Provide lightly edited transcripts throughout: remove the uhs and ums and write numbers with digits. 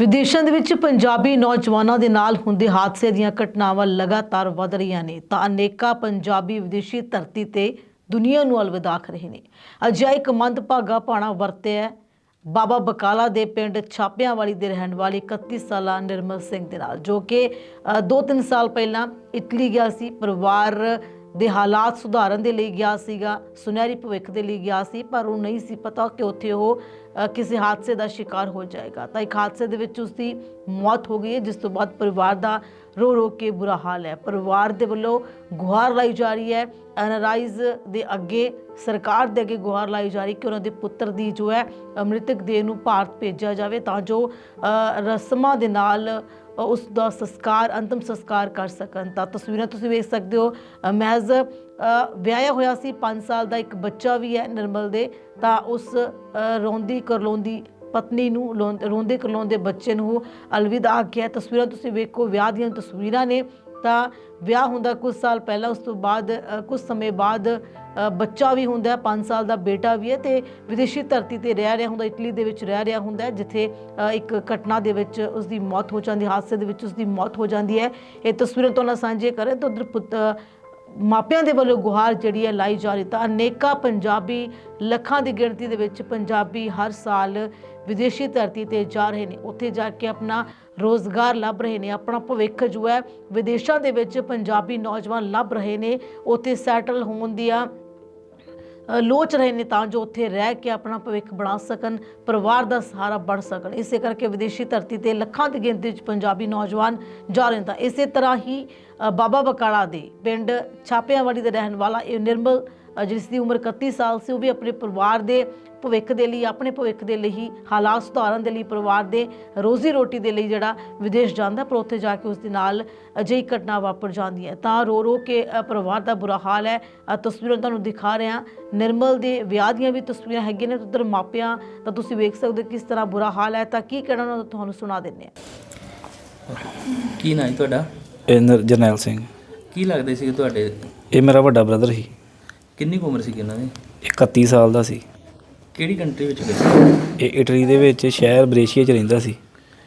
ਵਿਦੇਸ਼ਾਂ ਦੇ ਵਿੱਚ ਪੰਜਾਬੀ ਨੌਜਵਾਨਾਂ ਦੇ ਨਾਲ ਹੁੰਦੇ ਹਾਦਸੇ ਦੀਆਂ ਘਟਨਾਵਾਂ ਲਗਾਤਾਰ ਵਧ ਰਹੀਆਂ ਨੇ ਤਾਂ ਅਨੇਕਾਂ ਪੰਜਾਬੀ ਵਿਦੇਸ਼ੀ ਧਰਤੀ ਤੇ ਦੁਨੀਆ ਨੂੰ ਅਲਵਿਦਾ ਆਖ ਰਹੇ ਨੇ। ਅਜਿਹਾ ਇੱਕ ਮੰਦਭਾਗਾ ਭਾਣਾ ਵਰਤਿਆ ਬਾਬਾ ਬਕਾਲਾ ਦੇ ਪਿੰਡ ਛਾਪਿਆਂਵਾਲੀ ਦੇ ਰਹਿਣ ਵਾਲੇ 31 ਸਾਲਾ ਨਿਰਮਲ ਸਿੰਘ ਦੇ ਨਾਲ, ਜੋ ਕਿ 2-3 ਸਾਲ ਪਹਿਲਾਂ ਇਟਲੀ ਗਿਆ ਸੀ। ਪਰਿਵਾਰ ਦੇ ਹਾਲਾਤ ਸੁਧਾਰਨ ਦੇ ਲਈ ਗਿਆ ਸੀਗਾ, ਸੁਨਹਿਰੀ ਭਵਿੱਖ ਦੇ ਲਈ ਗਿਆ ਸੀ, ਪਰ ਉਹ ਨਹੀਂ ਸੀ ਪਤਾ ਕਿ ਉੱਥੇ ਉਹ ਕਿਸੇ ਹਾਦਸੇ ਦਾ ਸ਼ਿਕਾਰ ਹੋ ਜਾਏਗਾ। ਤਾਂ ਇੱਕ ਹਾਦਸੇ ਦੇ ਵਿੱਚ ਉਸਦੀ ਮੌਤ ਹੋ ਗਈ ਹੈ, ਜਿਸ ਤੋਂ ਬਾਅਦ ਪਰਿਵਾਰ ਦਾ ਰੋ ਰੋ ਕੇ ਬੁਰਾ ਹਾਲ ਹੈ। ਪਰਿਵਾਰ ਦੇ ਵੱਲੋਂ ਗੁਹਾਰ ਲਾਈ ਜਾ ਰਹੀ ਹੈ, ਐਨਆਰਆਈਜ਼ ਦੇ ਅੱਗੇ, ਸਰਕਾਰ ਦੇ ਅੱਗੇ ਗੁਹਾਰ ਲਾਈ ਜਾ ਰਹੀ ਕਿ ਉਹਨਾਂ ਦੇ ਪੁੱਤਰ ਦੀ ਜੋ ਹੈ ਮ੍ਰਿਤਕ ਦੇਹ ਨੂੰ ਭਾਰਤ ਭੇਜਿਆ ਜਾਵੇ ਤਾਂ ਜੋ ਰਸਮਾਂ ਦੇ ਨਾਲ ਉਸ ਦਾ ਸੰਸਕਾਰ, ਅੰਤਿਮ ਸੰਸਕਾਰ ਕਰ ਸਕਣ। ਤਾਂ ਤਸਵੀਰਾਂ ਤੁਸੀਂ ਵੇਖ ਸਕਦੇ ਹੋ, ਮਹਿਜ਼ ਵਿਆਹਿਆ ਹੋਇਆ ਸੀ, 5 ਸਾਲ ਦਾ ਇੱਕ ਬੱਚਾ ਵੀ ਹੈ ਨਿਰਮਲ ਦੇ। ਤਾਂ ਉਸ ਰੋਂਦੀ ਕਰਲਾਉਂਦੀ ਪਤਨੀ ਨੂੰ, ਰੋਂਦੇ ਕਰਲਾਉਂਦੇ ਬੱਚੇ ਨੂੰ ਅਲਵਿਦਾ ਆਖਿਆ। ਤਸਵੀਰਾਂ ਤੁਸੀਂ ਵੇਖੋ, ਵਿਆਹ ਦੀਆਂ ਤਸਵੀਰਾਂ ਨੇ। ਤਾਂ ਵਿਆਹ ਹੁੰਦਾ ਕੁਝ ਸਾਲ ਪਹਿਲਾਂ, ਉਸ ਤੋਂ ਬਾਅਦ ਕੁਝ ਸਮੇਂ ਬਾਅਦ ਬੱਚਾ ਵੀ ਹੁੰਦਾ, 5 ਸਾਲ ਦਾ ਬੇਟਾ ਵੀ ਹੈ, ਤੇ ਵਿਦੇਸ਼ੀ ਧਰਤੀ ਤੇ ਰਹਿ ਰਿਹਾ ਹੁੰਦਾ, ਇਟਲੀ ਦੇ ਵਿੱਚ ਰਹਿ ਰਿਹਾ ਹੁੰਦਾ, ਜਿੱਥੇ ਇੱਕ ਘਟਨਾ ਦੇ ਵਿੱਚ ਉਸ ਦੀ ਮੌਤ ਹੋ ਜਾਂਦੀ, ਹਾਦਸੇ ਦੇ ਵਿੱਚ ਉਸ ਦੀ ਮੌਤ ਹੋ ਜਾਂਦੀ ਹੈ। ਇਹ ਤਸਵੀਰਾਂ ਤੋਂ ਨਾਲ ਸਾਂਝੇ ਕਰੇ ਤਾਂ ਉਧਰ ਮਾਪਿਆਂ ਦੇ ਵੱਲੋਂ ਗੁਹਾਰ ਜਿਹੜੀ ਹੈ ਲਾਈ ਜਾ ਰਹੀ। ਤਾਂ ਅਨੇਕਾਂ ਪੰਜਾਬੀ, ਲੱਖਾਂ ਦੀ ਗਿਣਤੀ ਦੇ ਵਿੱਚ ਪੰਜਾਬੀ ਹਰ ਸਾਲ ਵਿਦੇਸ਼ੀ ਧਰਤੀ ਤੇ ਜਾ ਰਹੇ ਨੇ, ਉੱਥੇ ਜਾ ਕੇ ਆਪਣਾ ਰੋਜ਼ਗਾਰ ਲੱਭ ਰਹੇ ਨੇ, ਆਪਣਾ ਭਵਿੱਖ ਜੋ ਹੈ ਵਿਦੇਸ਼ਾਂ ਦੇ ਵਿੱਚ ਪੰਜਾਬੀ ਨੌਜਵਾਨ ਲੱਭ ਰਹੇ ਨੇ, ਉੱਥੇ ਸੈਟਲ ਹੋਣ ਦੀਆਂ ਲੋਚ ਰਹੇ ਨੇ ਤਾਂ ਜੋ ਉੱਥੇ ਰਹਿ ਕੇ ਆਪਣਾ ਭਵਿੱਖ ਬਣਾ ਸਕਣ, ਪਰਿਵਾਰ ਦਾ ਸਹਾਰਾ ਬਣ ਸਕਣ। ਇਸੇ ਕਰਕੇ ਵਿਦੇਸ਼ੀ ਧਰਤੀ ਤੇ ਲੱਖਾਂ ਦੀ ਗਿਣਤੀ ਵਿੱਚ ਪੰਜਾਬੀ ਨੌਜਵਾਨ ਜਾ ਰਹੇ ਨੇ। ਤਾਂ ਇਸੇ ਤਰ੍ਹਾਂ ਹੀ ਬਾਬਾ ਬਕਾਲਾ ਦੇ ਪਿੰਡ ਛਾਪਿਆਂਵਾਲੀ ਦੇ ਰਹਿਣ ਵਾਲਾ ਇਹ ਨਿਰਮਲ, ਜਿਸ ਦੀ ਉਮਰ 31 ਸਾਲ ਸੀ, ਉਹ ਵੀ ਆਪਣੇ ਪਰਿਵਾਰ ਦੇ ਭਵਿੱਖ ਦੇ ਲਈ, ਆਪਣੇ ਭਵਿੱਖ ਦੇ ਲਈ ਹੀ, ਹਾਲਾਤ ਸੁਧਾਰਨ ਦੇ ਲਈ, ਪਰਿਵਾਰ ਦੇ ਰੋਜ਼ੀ ਰੋਟੀ ਦੇ ਲਈ ਜਿਹੜਾ ਵਿਦੇਸ਼ ਜਾਂਦਾ, ਪਰ ਉੱਥੇ ਜਾ ਕੇ ਉਸ ਦੇ ਨਾਲ ਅਜਿਹੀ ਘਟਨਾ ਵਾਪਰ ਜਾਂਦੀ ਹੈ। ਤਾਂ ਰੋ ਰੋ ਕੇ ਪਰਿਵਾਰ ਦਾ ਬੁਰਾ ਹਾਲ ਹੈ। ਤਸਵੀਰਾਂ ਤੁਹਾਨੂੰ ਦਿਖਾ ਰਹੇ ਹਾਂ, ਨਿਰਮਲ ਦੇ ਵਿਆਹ ਦੀਆਂ ਵੀ ਤਸਵੀਰਾਂ ਹੈਗੀਆਂ ਨੇ, ਉੱਧਰ ਮਾਪਿਆਂ ਤਾਂ ਤੁਸੀਂ ਵੇਖ ਸਕਦੇ ਹੋ ਕਿਸ ਤਰ੍ਹਾਂ ਬੁਰਾ ਹਾਲ ਹੈ। ਤਾਂ ਕੀ ਕਹਿਣਾ ਉਹਨਾਂ ਦਾ ਤੁਹਾਨੂੰ ਸੁਣਾ ਦਿੰਦੇ ਹਾਂ। ਕੀ ਨਾਂ ਹੈ ਤੁਹਾਡਾ? ਜਰਨੈਲ ਸਿੰਘ। ਕੀ ਲੱਗਦੇ ਸੀ ਤੁਹਾਡੇ? ਇਹ ਮੇਰਾ ਵੱਡਾ ਬ੍ਰਦਰ ਸੀ। ਕਿੰਨੀ ਕੁ ਉਮਰ ਸੀ ਇਹਨਾਂ ਦੀ? 31 ਸਾਲ ਦਾ ਸੀ। ਕਿਹੜੀ ਕੰਟਰੀ ਵਿੱਚ ਗਏ? ਇਹ ਇਟਲੀ ਦੇ ਵਿੱਚ ਸ਼ਹਿਰ ਬਰੇਸ਼ੀਆ 'ਚ ਰਹਿੰਦਾ ਸੀ।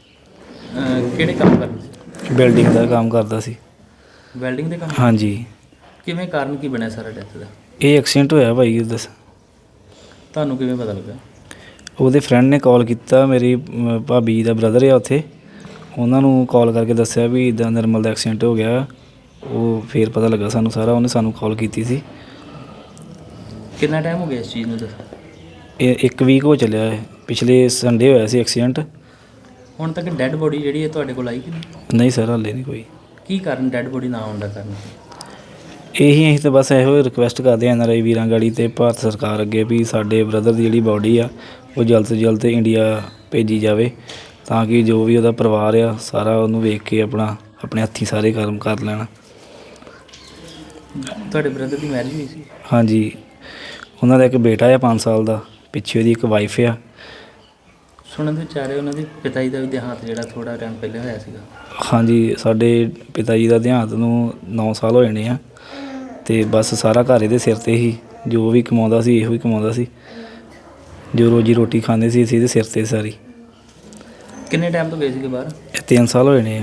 ਕਿਹੜੇ ਕੰਮ ਕਰਦੇ ਸੀ? ਬਿਲਡਿੰਗ ਦਾ ਕੰਮ ਕਰਦਾ ਸੀ। ਵੈਲਡਿੰਗ ਦੇ ਕੰਮ? ਹਾਂਜੀ। ਕਿਵੇਂ, ਕਾਰਨ ਕੀ ਬਣਿਆ ਸਾਰਾ ਡੈਥ ਦਾ? ਇਹ ਐਕਸੀਡੈਂਟ ਹੋਇਆ ਭਾਈ। ਦੱਸ, ਤੁਹਾਨੂੰ ਕਿਵੇਂ ਪਤਾ ਲੱਗਾ? ਉਹਦੇ ਫਰੈਂਡ ਨੇ ਕਾਲ ਕੀਤਾ, ਮੇਰੀ ਭਾਬੀ ਦਾ ਬ੍ਰਦਰ ਆ ਉੱਥੇ, ਉਹਨਾਂ ਨੂੰ ਕਾਲ ਕਰਕੇ ਦੱਸਿਆ ਵੀ ਇੱਦਾਂ ਨਿਰਮਲ ਦਾ ਐਕਸੀਡੈਂਟ ਹੋ ਗਿਆ। ਉਹ ਫਿਰ ਪਤਾ ਲੱਗਾ ਸਾਨੂੰ ਸਾਰਾ, ਉਹਨੇ ਸਾਨੂੰ ਕਾਲ ਕੀਤੀ ਸੀ। ਕਿੰਨਾ ਟਾਈਮ ਹੋ ਗਿਆ ਇਸ ਚੀਜ਼ ਨੂੰ? ਦੱਸ। ਇਹ 1 ਵੀਕ ਹੋ ਚੱਲਿਆ ਹੈ, ਪਿਛਲੇ ਸੰਡੇ ਹੋਇਆ ਸੀ ਐਕਸੀਡੈਂਟ। ਹੁਣ ਤੱਕ ਡੈੱਡ ਬੋਡੀ ਜਿਹੜੀ ਹੈ ਤੁਹਾਡੇ ਕੋਲ ਆਈ ਕਿ ਨਹੀਂ? ਨਹੀਂ ਸਰ, ਹਾਲੇ ਨਹੀਂ ਕੋਈ। ਕੀ ਕਾਰਨ ਡੈੱਡ ਬੋਡੀ ਨਾ ਆਉਣ ਦਾ ਕਾਰਨ? ਅਸੀਂ ਤਾਂ ਬਸ ਇਹੋ ਰਿਕੁਐਸਟ ਕਰਦੇ ਹਾਂ NRI ਵੀਰਾਂ ਗਾੜੀ ਤੇ ਭਾਰਤ ਸਰਕਾਰ ਅੱਗੇ ਵੀ ਸਾਡੇ ਬ੍ਰਦਰ ਦੀ ਜਿਹੜੀ ਬਾਡੀ ਆ ਉਹ ਜਲਦ ਤੋਂ ਜਲਦ ਇੰਡੀਆ ਭੇਜੀ ਜਾਵੇ, ਤਾਂ ਕਿ ਜੋ ਵੀ ਉਹਦਾ ਪਰਿਵਾਰ ਆ ਸਾਰਾ ਉਹਨੂੰ ਵੇਖ ਕੇ ਆਪਣੇ ਹੱਥੀਂ ਸਾਰੇ ਕਰਮ ਕਰ ਲੈਣ। ਤੁਹਾਡੇ ਬ੍ਰਦਰ ਦੀ ਮੈਰਿਜ ਹੋਈ ਸੀ? ਹਾਂਜੀ, ਉਹਨਾਂ ਦਾ ਇੱਕ ਬੇਟਾ ਆ 5 ਸਾਲ ਦਾ, ਪਿੱਛੇ ਉਹਦੀ ਇੱਕ ਵਾਈਫ ਆ। ਸੁਣਨ ਦੇ ਵਿਚਾਰੇ ਉਹਨਾਂ ਦੇ ਪਿਤਾ ਜੀ ਦਾ ਵੀ ਦੇਹਾਂਤ ਜਿਹੜਾ ਥੋੜ੍ਹਾ ਟਾਈਮ ਪਹਿਲਾਂ ਹੋਇਆ ਸੀਗਾ। ਹਾਂਜੀ, ਸਾਡੇ ਪਿਤਾ ਜੀ ਦਾ ਦੇਹਾਂਤ ਨੂੰ 9 ਸਾਲ ਹੋ ਜਾਣੇ ਆ, ਅਤੇ ਬਸ ਸਾਰਾ ਘਰ ਇਹਦੇ ਸਿਰ 'ਤੇ ਹੀ, ਜੋ ਵੀ ਕਮਾਉਂਦਾ ਸੀ ਇਹੋ ਹੀ ਕਮਾਉਂਦਾ ਸੀ, ਜੋ ਰੋਜੀ ਰੋਟੀ ਖਾਂਦੇ ਸੀ ਅਸੀਂ ਇਹਦੇ ਸਿਰ 'ਤੇ ਸਾਰੀ। ਕਿੰਨੇ ਟਾਈਮ ਤੋਂ ਗਏ ਸੀਗੇ ਬਾਹਰ? ਇਹ 3 ਸਾਲ ਹੋ ਜਾਣੇ ਆ।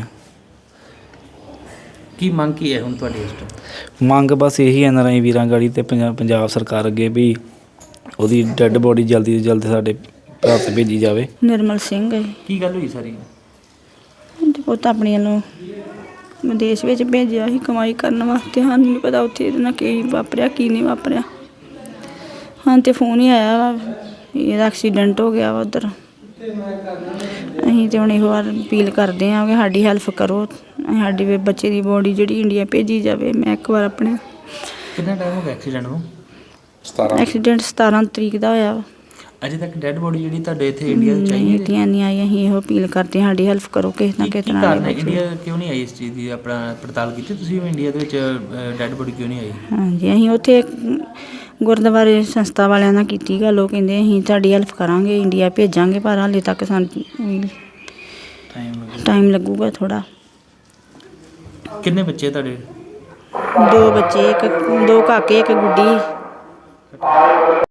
ਕੀ ਮੰਗ ਕੀ ਹੈ ਹੁਣ ਤੁਹਾਡੀ ਇਸ ਤੋਂ? ਮੰਗ ਬਸ ਇਹੀ NRI ਵੀਰਾਂ ਗਾੜੀ ਅਤੇ ਪੰਜਾਬ ਸਰਕਾਰ ਅੱਗੇ ਵੀ ਉਹਦੀ ਡੈੱਡ ਬੋਡੀ ਜਲਦੀ ਤੋਂ ਜਲਦ ਸਾਡੇ ਭਾਰਤ ਭੇਜੀ ਜਾਵੇ। ਨਿਰਮਲ ਸਿੰਘ ਹੈ। ਕੀ ਗੱਲ ਹੋਈ ਸਾਰੀ? ਪੁੱਤ ਆਪਣੀ ਵੱਲੋਂ ਵਿਦੇਸ਼ ਵਿੱਚ ਭੇਜਿਆ ਸੀ ਕਮਾਈ ਕਰਨ ਵਾਸਤੇ। ਸਾਨੂੰ ਨਹੀਂ ਪਤਾ ਉੱਥੇ ਇਹਦੇ ਨਾਲ ਕੀ ਵਾਪਰਿਆ, ਕੀ ਨਹੀਂ ਵਾਪਰਿਆ। ਹਾਂ, ਤੇ ਫੋਨ ਹੀ ਆਇਆ ਵਾ ਇਹਦਾ ਐਕਸੀਡੈਂਟ ਹੋ ਗਿਆ ਵਾ ਉੱਧਰ। ਅਸੀਂ ਤਾਂ ਹੁਣ ਇਹੋ ਵਾਰ ਅਪੀਲ ਕਰਦੇ ਹਾਂ ਕਿ ਸਾਡੀ ਹੈਲਪ ਕਰੋ, ਸਾਡੀ ਬੱਚੇ ਦੀ ਬੋਡੀ ਜਿਹੜੀ ਇੰਡੀਆ ਭੇਜੀ ਜਾਵੇ। ਮੈਂ ਇੱਕ ਵਾਰ ਆਪਣੇ ਕਿੰਨਾ ਟਾਈਮ ਹੋ ਗਿਆ ਐਕਸੀਡੈਂਟ ਨੂੰ? ਐਕਸੀਡੈਂਟ 17 ਤਰੀਕ ਦਾ ਹੋਇਆ ਵਾ। ਅਜੇ ਤੱਕ ਡੈੱਡ ਬੋਡੀ ਜਿਹੜੀ ਤੁਹਾਡੇ ਇੱਥੇ ਇੰਡੀਆ 'ਚ ਆਈ ਇੰਡੀਆ ਨਹੀਂ ਆਈ। ਅਸੀਂ ਇਹੋ ਅਪੀਲ ਕਰਦੇ ਹਾਂ ਸਾਡੀ ਹੈਲਪ ਕਰੋ ਕਿਸੇ ਨਾ ਕਿਸੇ ਤਰ੍ਹਾਂ। ਇੰਡੀਆ ਕਿਉਂ ਨਹੀਂ ਆਈ ਇਸ ਚੀਜ਼ ਦੀ ਆਪਣਾ ਪੜਤਾਲ ਕੀਤੀ ਤੁਸੀਂ? ਇੰਡੀਆ ਦੇ ਵਿੱਚ ਡੈੱਡ ਬੋਡੀ ਕਿਉਂ ਨਹੀਂ ਆਈ? ਹਾਂਜੀ, ਅਸੀਂ ਉੱਥੇ ਗੁਰਦੁਆਰੇ ਸੰਸਥਾ ਵਾਲਿਆਂ ਨਾਲ ਕੀਤੀ ਗੱਲ। ਉਹ ਕਹਿੰਦੇ ਅਸੀਂ ਤੁਹਾਡੀ ਹੈਲਪ ਕਰਾਂਗੇ, ਇੰਡੀਆ ਭੇਜਾਂਗੇ, ਪਰ ਹਾਲੇ ਤੱਕ ਸਾਨੂੰ ਟਾਈਮ ਲੱਗੂਗਾ ਥੋੜ੍ਹਾ। ਕਿੰਨੇ ਬੱਚੇ ਤੁਹਾਡੇ? 2 ਬੱਚੇ, 2 ਕਾਕੇ, 1 ਗੁੱਡੀ।